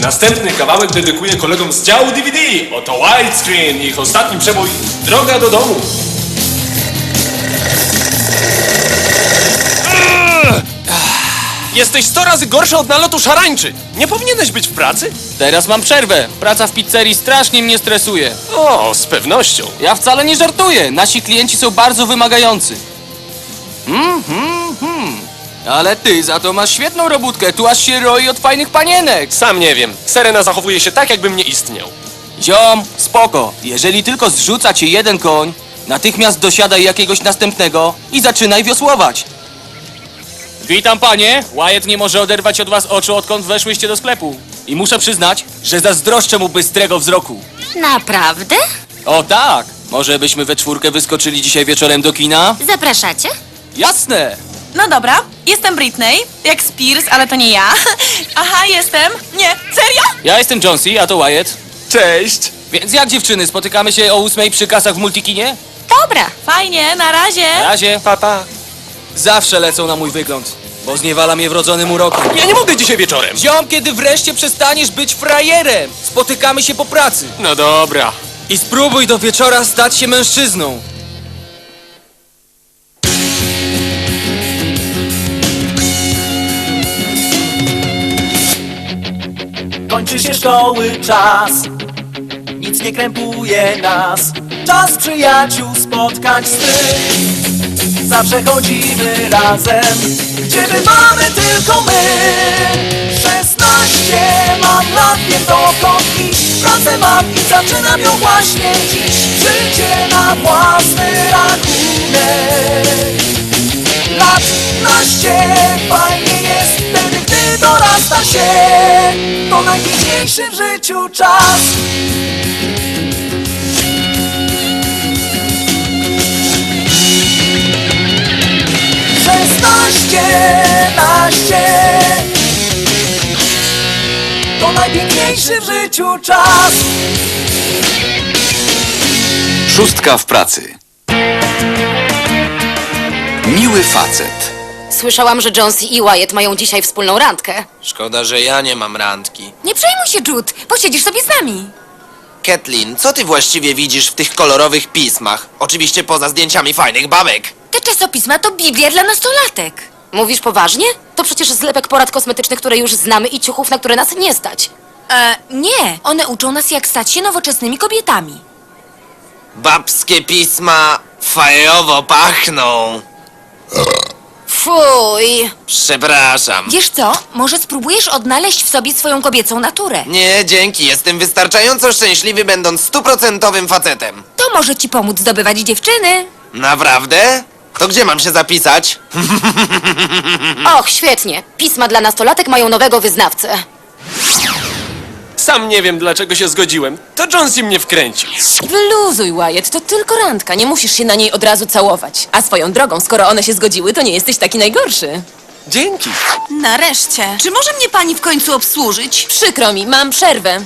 Następny kawałek dedykuję kolegom z działu DVD. Oto widescreen, ich ostatni przebój Droga do domu. Jesteś 100 razy gorszy od nalotu szarańczy. Nie powinieneś być w pracy? Teraz mam przerwę. Praca w pizzerii strasznie mnie stresuje. O, z pewnością. Ja wcale nie żartuję. Nasi klienci są bardzo wymagający. Ale ty za to masz świetną robótkę. Tu aż się roi od fajnych panienek. Sam nie wiem. Serena zachowuje się tak, jakbym nie istniał. Ziom, spoko. Jeżeli tylko zrzuca cię jeden koń, natychmiast dosiadaj jakiegoś następnego i zaczynaj wiosłować. Witam, panie. Wyatt nie może oderwać od was oczu, odkąd weszłyście do sklepu. I muszę przyznać, że zazdroszczę mu bystrego wzroku. Naprawdę? O tak! Może byśmy we czwórkę wyskoczyli dzisiaj wieczorem do kina? Zapraszacie? Jasne! No dobra, jestem Britney, jak Spears, ale to nie ja. Aha, jestem. Nie, serio? Ja jestem Jonesy, a to Wyatt. Cześć. Więc jak dziewczyny, spotykamy się o 8 przy kasach w Multikinie? Dobra. Fajnie, na razie. Na razie. Papa. Zawsze lecą na mój wygląd, bo zniewala mnie wrodzonym urokiem. Ja nie mogę dzisiaj wieczorem. Ziom, kiedy wreszcie przestaniesz być frajerem! Spotykamy się po pracy. No dobra. I spróbuj do wieczora stać się mężczyzną. Kończy się szkoły czas, nic nie krępuje nas. Czas przyjaciół, spotkań swych. Zawsze chodzimy razem, gdzie bywamy tylko my. 16 mam lat, wiem dokąd iść. Pracę mam i zaczynam ją właśnie dziś. Życie na własny rachunek. Lat naście, fajnie jest wtedy, gdy dorasta się. To najpiękniejszy w życiu czas. Naście. To najpiękniejszy w życiu czas. Szóstka w pracy. Miły facet. Słyszałam, że Jonesy i Wyatt mają dzisiaj wspólną randkę. Szkoda, że ja nie mam randki. Nie przejmuj się, Jude, posiedzisz sobie z nami. Kathleen, co ty właściwie widzisz w tych kolorowych pismach? Oczywiście poza zdjęciami fajnych babek. Te czasopisma to Biblia dla nastolatek. Mówisz poważnie? To przecież zlepek porad kosmetycznych, które już znamy i ciuchów, na które nas nie stać. Nie, one uczą nas, jak stać się nowoczesnymi kobietami. Babskie pisma fajowo pachną. Fuj! Przepraszam. Wiesz co, może spróbujesz odnaleźć w sobie swoją kobiecą naturę. Nie, dzięki, jestem wystarczająco szczęśliwy, będąc 100% facetem. To może ci pomóc zdobywać dziewczyny. Naprawdę? To gdzie mam się zapisać? Och, świetnie. Pisma dla nastolatek mają nowego wyznawcę. Sam nie wiem, dlaczego się zgodziłem. To Jonesy mnie wkręcił. Wyluzuj, Wyatt, to tylko randka, nie musisz się na niej od razu całować. A swoją drogą, skoro one się zgodziły, to nie jesteś taki najgorszy. Dzięki. Nareszcie. Czy może mnie pani w końcu obsłużyć? Przykro mi, mam przerwę.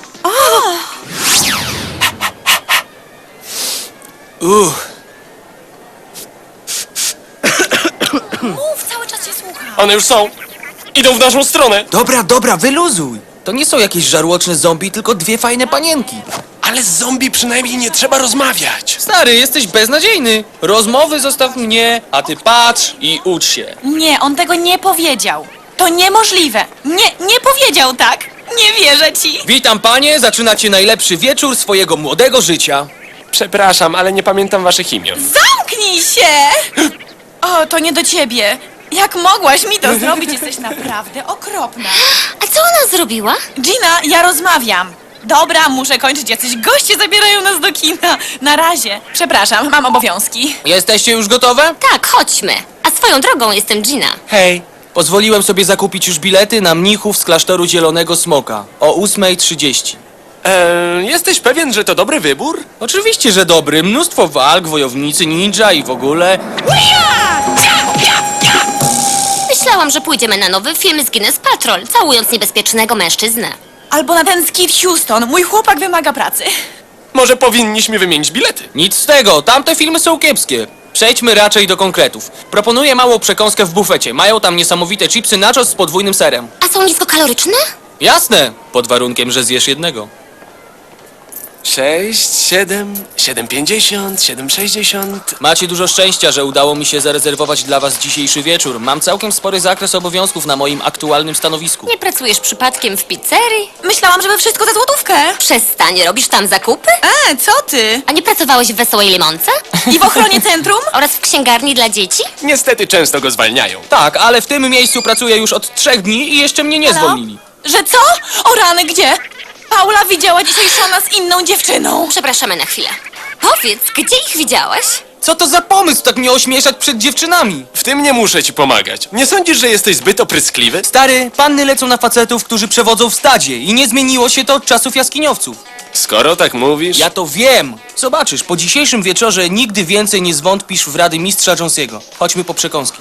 Mów, cały czas się słucham. One już są. Idą w naszą stronę. Dobra, wyluzuj. To nie są jakieś żarłoczne zombie, tylko dwie fajne panienki. Ale z zombie przynajmniej nie trzeba rozmawiać. Stary, jesteś beznadziejny. Rozmowy zostaw mnie, a ty patrz i ucz się. Nie, on tego nie powiedział. To niemożliwe. Nie powiedział tak. Nie wierzę ci. Witam panie, zaczynacie najlepszy wieczór swojego młodego życia. Przepraszam, ale nie pamiętam waszych imion. Zamknij się! O, to nie do ciebie. Jak mogłaś mi to zrobić? Jesteś naprawdę okropna. A co ona zrobiła? Gina, ja rozmawiam. Dobra, muszę kończyć. Jacyś goście zabierają nas do kina. Na razie. Przepraszam, mam obowiązki. Jesteście już gotowe? Tak, chodźmy. A swoją drogą jestem Gina. Hej. Pozwoliłem sobie zakupić już bilety na mnichów z klasztoru Zielonego Smoka o 8:30. Jesteś pewien, że to dobry wybór? Oczywiście, że dobry. Mnóstwo walk, wojownicy ninja i w ogóle. Myślałam, że pójdziemy na nowy film z Guinness Patrol, całując niebezpiecznego mężczyznę. Albo na ten skit Houston. Mój chłopak wymaga pracy. Może powinniśmy wymienić bilety? Nic z tego, tamte filmy są kiepskie. Przejdźmy raczej do konkretów. Proponuję małą przekąskę w bufecie. Mają tam niesamowite chipsy nachos z podwójnym serem. A są niskokaloryczne? Jasne, pod warunkiem, że zjesz jednego. 6, 7, 7,50, 7,60. Macie dużo szczęścia, że udało mi się zarezerwować dla was dzisiejszy wieczór. Mam całkiem spory zakres obowiązków na moim aktualnym stanowisku. Nie pracujesz przypadkiem w pizzerii? Myślałam, że we wszystko za złotówkę. Przestań, robisz tam zakupy? Co ty? A nie pracowałeś w Wesołej Limonce? I w ochronie centrum? Oraz w księgarni dla dzieci? Niestety często go zwalniają. Tak, ale w tym miejscu pracuję już od 3 dni i jeszcze mnie nie Halo? zwolnili. Że co? O rany, gdzie? Paula widziała dzisiaj Shona z inną dziewczyną. Przepraszamy na chwilę. Powiedz, gdzie ich widziałaś? Co to za pomysł tak mnie ośmieszać przed dziewczynami? W tym nie muszę ci pomagać. Nie sądzisz, że jesteś zbyt opryskliwy? Stary, panny lecą na facetów, którzy przewodzą w stadzie i nie zmieniło się to od czasów jaskiniowców. Skoro tak mówisz... Ja to wiem. Zobaczysz, po dzisiejszym wieczorze nigdy więcej nie zwątpisz w rady mistrza Jonesiego. Chodźmy po przekąski.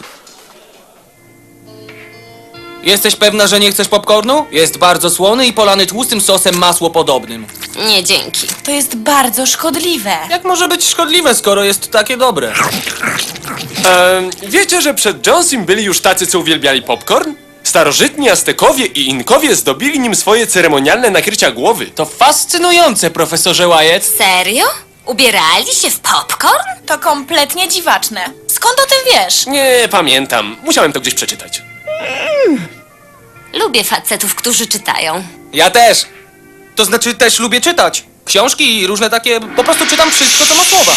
Jesteś pewna, że nie chcesz popcornu? Jest bardzo słony i polany tłustym sosem masłopodobnym. Nie, dzięki. To jest bardzo szkodliwe. Jak może być szkodliwe, skoro jest takie dobre? Wiecie, że przed Jonesim byli już tacy, co uwielbiali popcorn? Starożytni Aztekowie i Inkowie zdobili nim swoje ceremonialne nakrycia głowy. To fascynujące, profesorze Wyatt. Serio? Ubierali się w popcorn? To kompletnie dziwaczne. Skąd o tym wiesz? Nie pamiętam. Musiałem to gdzieś przeczytać. Lubię facetów, którzy czytają. Ja też. To znaczy też lubię czytać. Książki i różne takie... Po prostu czytam wszystko, co ma słowa.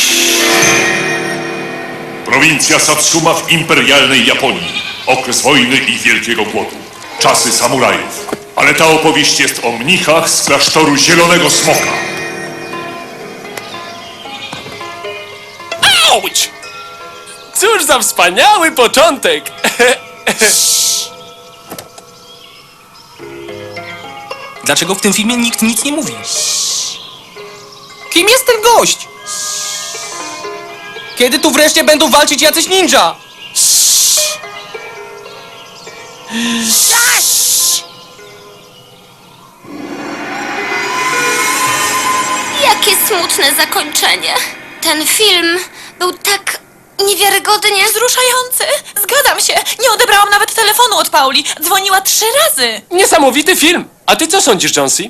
Prowincja Satsuma w imperialnej Japonii. Okres wojny i wielkiego głodu. Czasy samurajów. Ale ta opowieść jest o mnichach z klasztoru Zielonego Smoka. Auć! Cóż za wspaniały początek! Dlaczego w tym filmie nikt nic nie mówi? Kim jest ten gość? Kiedy tu wreszcie będą walczyć jacyś ninja? Jakie smutne zakończenie. Ten film był tak niewiarygodnie... Wzruszający. Zgadzam się. Nie odebrałam nawet telefonu od Pauli. Dzwoniła 3 razy. Niesamowity film! A ty co sądzisz, Jonesy?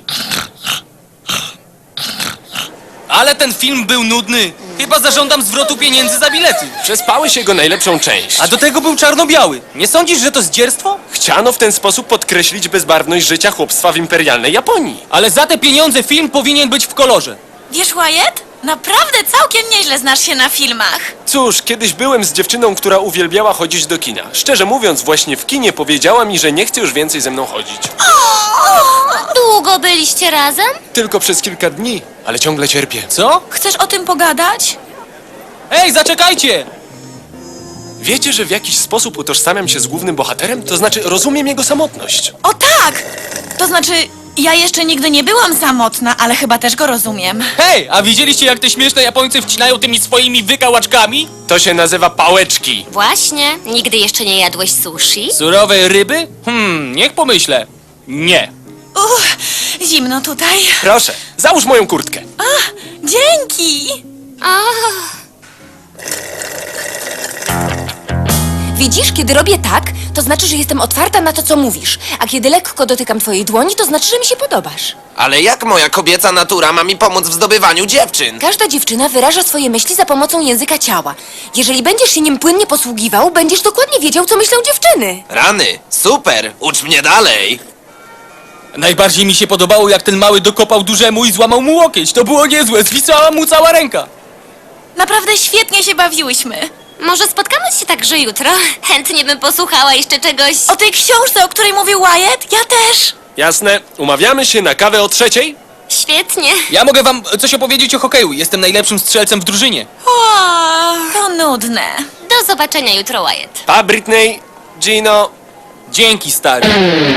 Ale ten film był nudny. Chyba zażądam zwrotu pieniędzy za bilety. Przespałeś jego najlepszą część. A do tego był czarno-biały. Nie sądzisz, że to zdzierstwo? Chciano w ten sposób podkreślić bezbarwność życia chłopstwa w imperialnej Japonii. Ale za te pieniądze film powinien być w kolorze. Wiesz, Wyatt? Naprawdę całkiem nieźle znasz się na filmach. Cóż, kiedyś byłem z dziewczyną, która uwielbiała chodzić do kina. Szczerze mówiąc, właśnie w kinie powiedziała mi, że nie chce już więcej ze mną chodzić. Długo byliście razem? Tylko przez kilka dni, ale ciągle cierpię. Co? Chcesz o tym pogadać? Ej, zaczekajcie! Wiecie, że w jakiś sposób utożsamiam się z głównym bohaterem? To znaczy, rozumiem jego samotność. O tak! To znaczy, ja jeszcze nigdy nie byłam samotna, ale chyba też go rozumiem. Hej, a widzieliście jak te śmieszne Japońcy wcinają tymi swoimi wykałaczkami? To się nazywa pałeczki. Właśnie. Nigdy jeszcze nie jadłeś sushi? Surowej ryby? Niech pomyślę. Nie. Zimno tutaj. Proszę, załóż moją kurtkę. Dzięki! Widzisz, kiedy robię tak, to znaczy, że jestem otwarta na to, co mówisz. A kiedy lekko dotykam twojej dłoni, to znaczy, że mi się podobasz. Ale jak moja kobieca natura ma mi pomóc w zdobywaniu dziewczyn? Każda dziewczyna wyraża swoje myśli za pomocą języka ciała. Jeżeli będziesz się nim płynnie posługiwał, będziesz dokładnie wiedział, co myślą dziewczyny. Rany, super, ucz mnie dalej. Najbardziej mi się podobało, jak ten mały dokopał dużemu i złamał mu łokieć. To było niezłe, zwisała mu cała ręka. Naprawdę świetnie się bawiłyśmy. Może spotkamy się także jutro? Chętnie bym posłuchała jeszcze czegoś... O tej książce, o której mówił Wyatt, ja też. Jasne, umawiamy się na kawę o 3:00? Świetnie. Ja mogę wam coś opowiedzieć o hokeju. Jestem najlepszym strzelcem w drużynie. To nudne. Do zobaczenia jutro, Wyatt. Pa, Britney, Gino. Dzięki, stary.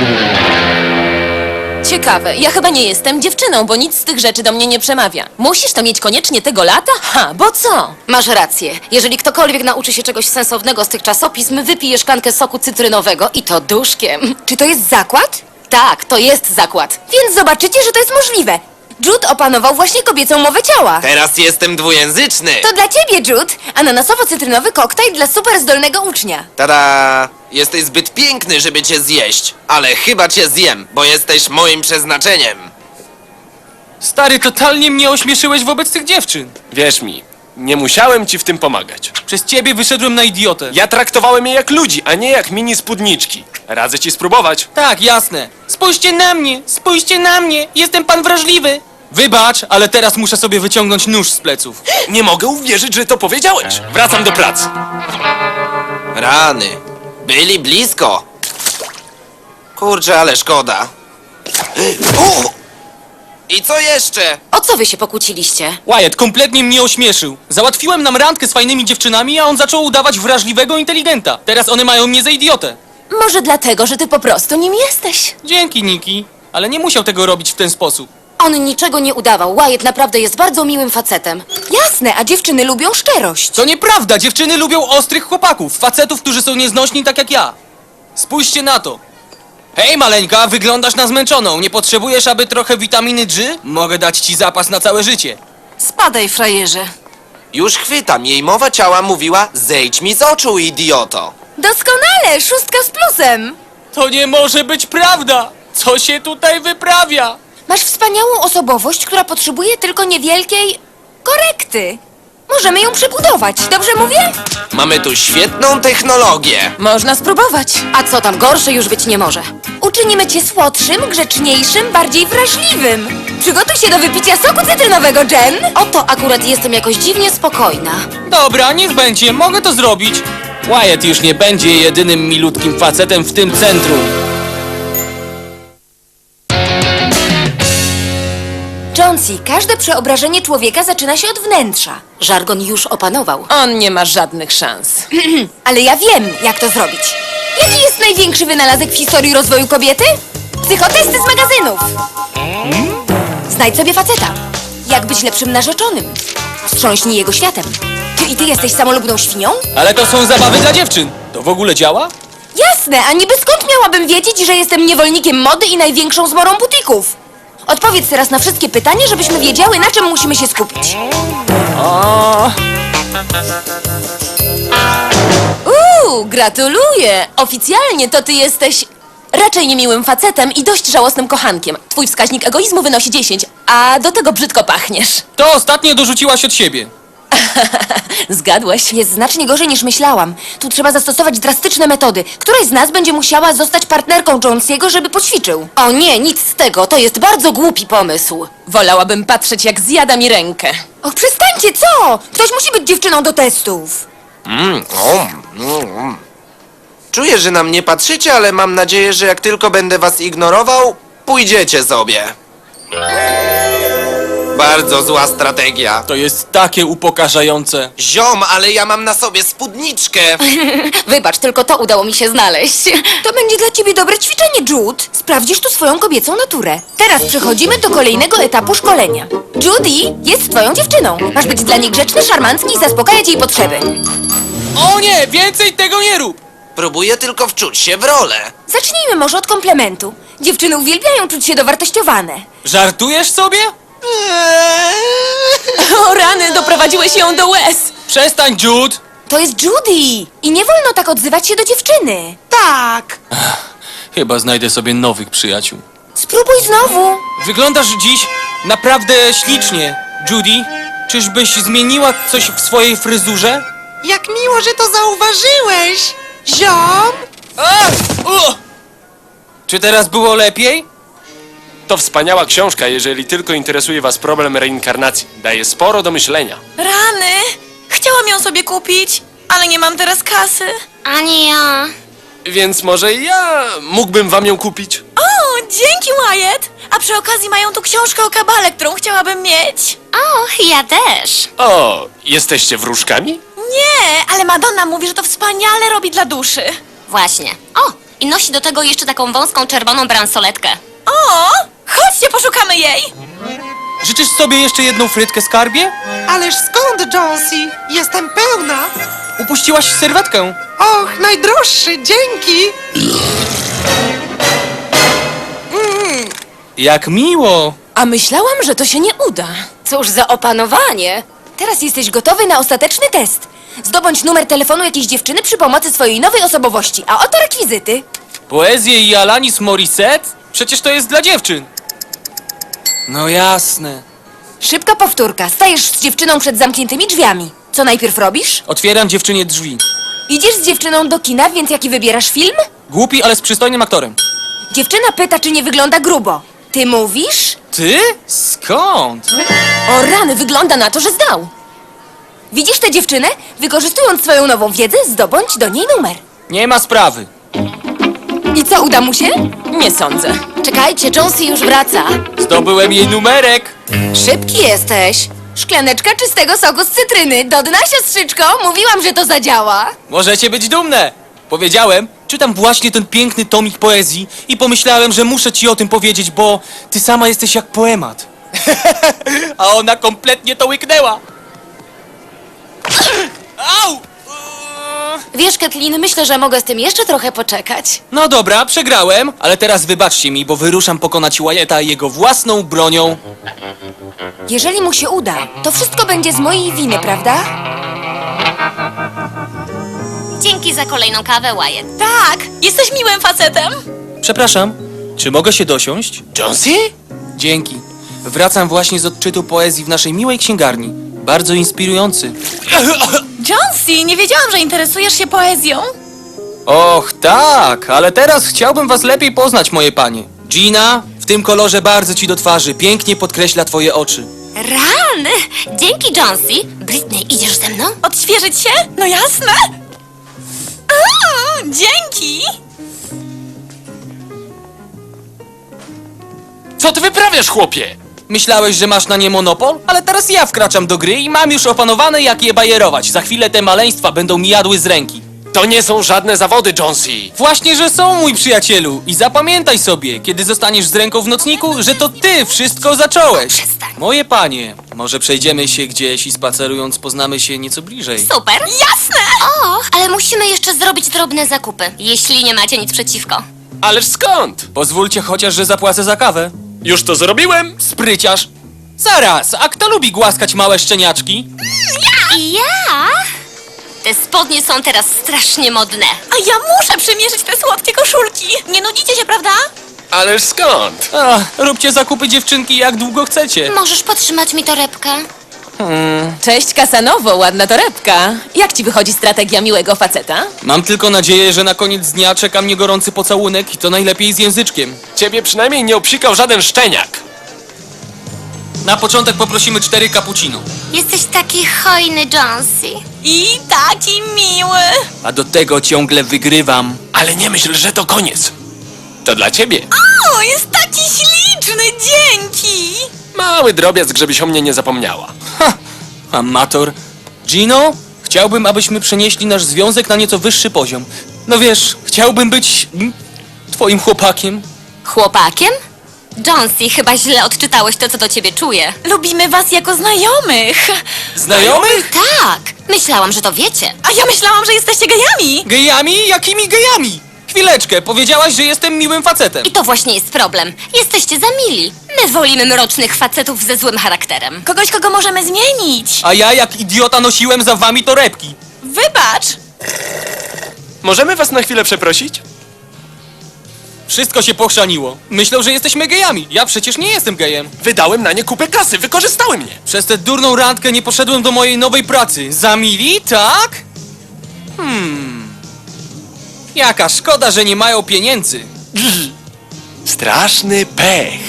Ciekawe, ja chyba nie jestem dziewczyną, bo nic z tych rzeczy do mnie nie przemawia. Musisz to mieć koniecznie tego lata? Ha, bo co? Masz rację. Jeżeli ktokolwiek nauczy się czegoś sensownego z tych czasopism, wypije szklankę soku cytrynowego i to duszkiem. Czy to jest zakład? Tak, to jest zakład. Więc zobaczycie, że to jest możliwe. Jude opanował właśnie kobiecą mowę ciała. Teraz jestem dwujęzyczny. To dla ciebie, Jude, ananasowo-cytrynowy koktajl dla super zdolnego ucznia. Tada! Jesteś zbyt piękny, żeby cię zjeść. Ale chyba cię zjem, bo jesteś moim przeznaczeniem. Stary, totalnie mnie ośmieszyłeś wobec tych dziewczyn. Wierz mi, nie musiałem ci w tym pomagać. Przez ciebie wyszedłem na idiotę. Ja traktowałem je jak ludzi, a nie jak mini spódniczki. Radzę ci spróbować. Tak, jasne. Spójrzcie na mnie, jestem pan wrażliwy. Wybacz, ale teraz muszę sobie wyciągnąć nóż z pleców. Nie mogę uwierzyć, że to powiedziałeś. Wracam do pracy. Rany. Byli blisko. Kurczę, ale szkoda. U! I co jeszcze? O co wy się pokłóciliście? Wyatt kompletnie mnie ośmieszył. Załatwiłem nam randkę z fajnymi dziewczynami, a on zaczął udawać wrażliwego inteligenta. Teraz one mają mnie za idiotę. Może dlatego, że ty po prostu nim jesteś. Dzięki, Niki. Ale nie musiał tego robić w ten sposób. On niczego nie udawał. Wyatt naprawdę jest bardzo miłym facetem. Jasne, a dziewczyny lubią szczerość. To nieprawda, dziewczyny lubią ostrych chłopaków, facetów, którzy są nieznośni tak jak ja. Spójrzcie na to. Hej, maleńka, wyglądasz na zmęczoną. Nie potrzebujesz, aby trochę witaminy G? Mogę dać ci zapas na całe życie. Spadaj, frajerze. Już chwytam. Jej mowa ciała mówiła: zejdź mi z oczu, idioto. Doskonale, 6 z plusem. To nie może być prawda! Co się tutaj wyprawia? Masz wspaniałą osobowość, która potrzebuje tylko niewielkiej korekty. Możemy ją przebudować, dobrze mówię? Mamy tu świetną technologię. Można spróbować. A co tam, gorsze już być nie może. Uczynimy cię słodszym, grzeczniejszym, bardziej wrażliwym. Przygotuj się do wypicia soku cytrynowego, Jen. Oto akurat jestem jakoś dziwnie spokojna. Dobra, niech będzie, mogę to zrobić. Wyatt już nie będzie jedynym milutkim facetem w tym centrum. Jonesy, każde przeobrażenie człowieka zaczyna się od wnętrza. Żargon już opanował. On nie ma żadnych szans. Ale ja wiem, jak to zrobić. Jaki jest największy wynalazek w historii rozwoju kobiety? Psychotesty z magazynów. Znajdź sobie faceta. Jak być lepszym narzeczonym? Wstrząśnij jego światem. Czy i ty jesteś samolubną świnią? Ale to są zabawy dla dziewczyn. To w ogóle działa? Jasne, a niby skąd miałabym wiedzieć, że jestem niewolnikiem mody i największą zmorą butików? Odpowiedz teraz na wszystkie pytania, żebyśmy wiedziały, na czym musimy się skupić. Gratuluję! Oficjalnie to ty jesteś raczej niemiłym facetem i dość żałosnym kochankiem. Twój wskaźnik egoizmu wynosi 10, a do tego brzydko pachniesz. To ostatnie dorzuciłaś od siebie. Zgadłeś. Jest znacznie gorzej niż myślałam. Tu trzeba zastosować drastyczne metody. Któraś z nas będzie musiała zostać partnerką Jonesiego, żeby poćwiczył. O nie, nic z tego, to jest bardzo głupi pomysł. Wolałabym patrzeć, jak zjada mi rękę. Och, przestańcie, co? Ktoś musi być dziewczyną do testów. Czuję, że na mnie patrzycie, ale mam nadzieję, że jak tylko będę was ignorował, pójdziecie sobie. Bardzo zła strategia. To jest takie upokarzające. Ziom, ale ja mam na sobie spódniczkę. Wybacz, tylko to udało mi się znaleźć. To będzie dla ciebie dobre ćwiczenie, Jude. Sprawdzisz tu swoją kobiecą naturę. Teraz przechodzimy do kolejnego etapu szkolenia. Judy jest twoją dziewczyną. Masz być dla niej grzeczny, szarmancki i zaspokajać jej potrzeby. O nie, więcej tego nie rób! Próbuję tylko wczuć się w rolę. Zacznijmy może od komplementu. Dziewczyny uwielbiają czuć się dowartościowane. Żartujesz sobie? O rany, doprowadziłeś ją do łez. Przestań, Jude! To jest Judy i nie wolno tak odzywać się do dziewczyny. Tak. Chyba znajdę sobie nowych przyjaciół. Spróbuj znowu. Wyglądasz dziś naprawdę ślicznie. Judy, czyżbyś zmieniła coś w swojej fryzurze? Jak miło, że to zauważyłeś! Ziom! Czy teraz było lepiej? To wspaniała książka, jeżeli tylko interesuje was problem reinkarnacji. Daje sporo do myślenia. Rany! Chciałam ją sobie kupić, ale nie mam teraz kasy. Ani ja. Więc może ja mógłbym wam ją kupić? O, dzięki, Wyatt! A przy okazji mają tu książkę o kabale, którą chciałabym mieć. Och, ja też. O, jesteście wróżkami? Nie, ale Madonna mówi, że to wspaniale robi dla duszy. Właśnie. O, i nosi do tego jeszcze taką wąską czerwoną bransoletkę. O, chodźcie, poszukamy jej. Życzysz sobie jeszcze jedną frytkę, skarbie? Ależ skąd, Jonesy? Jestem pełna! Upuściłaś serwetkę. Och, najdroższy, dzięki! Jak miło! A myślałam, że to się nie uda. Cóż za opanowanie. Teraz jesteś gotowy na ostateczny test. Zdobądź numer telefonu jakiejś dziewczyny przy pomocy swojej nowej osobowości, a oto rekwizyty. Poezję i Alanis Morissette? Przecież to jest dla dziewczyn. No jasne. Szybka powtórka. Stajesz z dziewczyną przed zamkniętymi drzwiami. Co najpierw robisz? Otwieram dziewczynie drzwi. Idziesz z dziewczyną do kina, więc jaki wybierasz film? Głupi, ale z przystojnym aktorem. Dziewczyna pyta, czy nie wygląda grubo. Ty mówisz? Ty? Skąd? O rany, wygląda na to, że zdał. Widzisz tę dziewczynę? Wykorzystując swoją nową wiedzę, zdobądź do niej numer. Nie ma sprawy. I co, uda mu się? Nie sądzę. Czekajcie, Jonesy już wraca. Zdobyłem jej numerek. Szybki jesteś. Szklaneczka czystego soku z cytryny. Do dna, siostrzyczko. Mówiłam, że to zadziała. Możecie być dumne. Powiedziałem, czytam właśnie ten piękny tomik poezji i pomyślałem, że muszę ci o tym powiedzieć, bo ty sama jesteś jak poemat. A ona kompletnie to łyknęła. Au! Wiesz, Kathleen, myślę, że mogę z tym jeszcze trochę poczekać. No dobra, przegrałem, ale teraz wybaczcie mi, bo wyruszam pokonać Wyetta jego własną bronią. Jeżeli mu się uda, to wszystko będzie z mojej winy, prawda? Dzięki za kolejną kawę, Wyatt. Tak, jesteś miłym facetem. Przepraszam, czy mogę się dosiąść? Jonesy? Dzięki. Wracam właśnie z odczytu poezji w naszej miłej księgarni. Bardzo inspirujący. Jonesy, nie wiedziałam, że interesujesz się poezją. Och, tak, ale teraz chciałbym was lepiej poznać, moje panie. Gina, w tym kolorze bardzo ci do twarzy, pięknie podkreśla twoje oczy. Rany! Dzięki, Jonesy. Britney, idziesz ze mną? Odświeżyć się? No jasne. Dzięki. Co ty wyprawiasz, chłopie? Myślałeś, że masz na nie monopol? Ale teraz ja wkraczam do gry i mam już opanowane, jak je bajerować. Za chwilę te maleństwa będą mi jadły z ręki. To nie są żadne zawody, Jonesy. Właśnie, że są, mój przyjacielu. I zapamiętaj sobie, kiedy zostaniesz z ręką w nocniku, że to ty wszystko zacząłeś. Przestań. Moje panie, może przejdziemy się gdzieś i spacerując poznamy się nieco bliżej. Super. Jasne. O, ale musimy jeszcze zrobić drobne zakupy, jeśli nie macie nic przeciwko. Ależ skąd? Pozwólcie chociaż, że zapłacę za kawę. Już to zrobiłem. Spryciarz. Zaraz, a kto lubi głaskać małe szczeniaczki? I ja? Te spodnie są teraz strasznie modne. A ja muszę przymierzyć te słodkie koszulki. Nie nudzicie się, prawda? Ależ skąd? Róbcie zakupy, dziewczynki, jak długo chcecie. Możesz podtrzymać mi torebkę? Cześć, Kasanowo, ładna torebka. Jak ci wychodzi strategia miłego faceta? Mam tylko nadzieję, że na koniec dnia czeka mnie gorący pocałunek i to najlepiej z języczkiem. Ciebie przynajmniej nie obsikał żaden szczeniak. Na początek poprosimy 4 cappuccino. Jesteś taki hojny, Jonesy. I taki miły. A do tego ciągle wygrywam. Ale nie myśl, że to koniec. To dla ciebie. O, jest taki śliczny, dzięki. Mały drobiazg, żebyś o mnie nie zapomniała. Amator. Gino, chciałbym, abyśmy przenieśli nasz związek na nieco wyższy poziom. No wiesz, chciałbym być twoim chłopakiem. Chłopakiem? Jonesy, chyba źle odczytałeś to, co do ciebie czuję. Lubimy was jako znajomych. Znajomych? Tak, myślałam, że to wiecie. A ja myślałam, że jesteście gejami. Gejami? Jakimi gejami? Chwileczkę, powiedziałaś, że jestem miłym facetem. I to właśnie jest problem. Jesteście za mili. My wolimy mrocznych facetów ze złym charakterem. Kogoś, kogo możemy zmienić. A ja jak idiota nosiłem za wami torebki. Wybacz. Możemy was na chwilę przeprosić? Wszystko się pochrzaniło. Myślą, że jesteśmy gejami. Ja przecież nie jestem gejem. Wydałem na nie kupę kasy, wykorzystały mnie. Przez tę durną randkę nie poszedłem do mojej nowej pracy. Za mili, tak? Jaka szkoda, że nie mają pieniędzy. Straszny pech.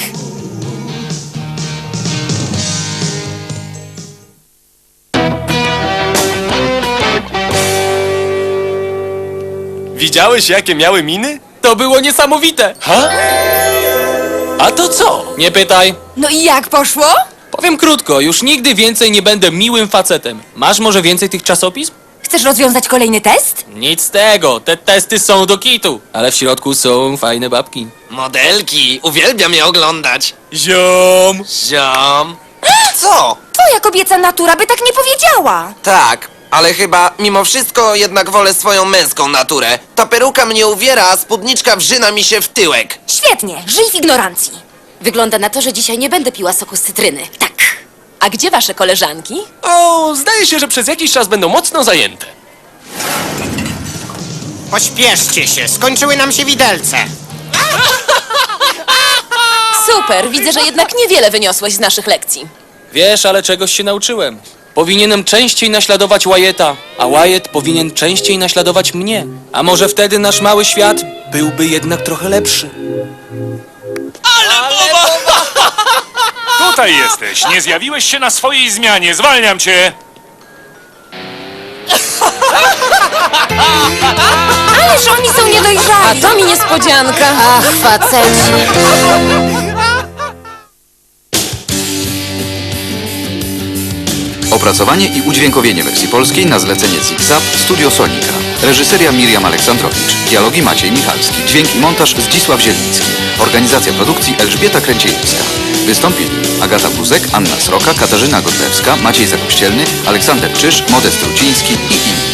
Widziałeś, jakie miały miny? To było niesamowite. Ha? A to co? Nie pytaj. No i jak poszło? Powiem krótko, już nigdy więcej nie będę miłym facetem. Masz może więcej tych czasopism? Chcesz rozwiązać kolejny test? Nic z tego, te testy są do kitu. Ale w środku są fajne babki. Modelki, uwielbiam je oglądać. Ziom! Ziom. Co? Twoja kobieca natura by tak nie powiedziała. Tak, ale chyba mimo wszystko jednak wolę swoją męską naturę. Ta peruka mnie uwiera, a spódniczka wrzyna mi się w tyłek. Świetnie, żyj w ignorancji. Wygląda na to, że dzisiaj nie będę piła soku z cytryny. Tak. A gdzie wasze koleżanki? O, zdaje się, że przez jakiś czas będą mocno zajęte. Pośpieszcie się, skończyły nam się widelce. Super, widzę, że jednak niewiele wyniosłeś z naszych lekcji. Wiesz, ale czegoś się nauczyłem. Powinienem częściej naśladować Wyatta, a Wyatt powinien częściej naśladować mnie. A może wtedy nasz mały świat byłby jednak trochę lepszy. Tutaj jesteś. Nie zjawiłeś się na swojej zmianie. Zwalniam cię. Ależ oni są niedojrzali. A to mi niespodzianka. Ach, faceci. Opracowanie i udźwiękowienie wersji polskiej na zlecenie ZigZap Studio Sonika. Reżyseria Miriam Aleksandrowicz. Dialogi Maciej Michalski. Dźwięk i montaż Zdzisław Zieliński. Organizacja produkcji Elżbieta Kręciejewska. Wystąpili Agata Buzek, Anna Sroka, Katarzyna Godlewska, Maciej Zakościelny, Aleksander Czyż, Modest Ruciński i inni.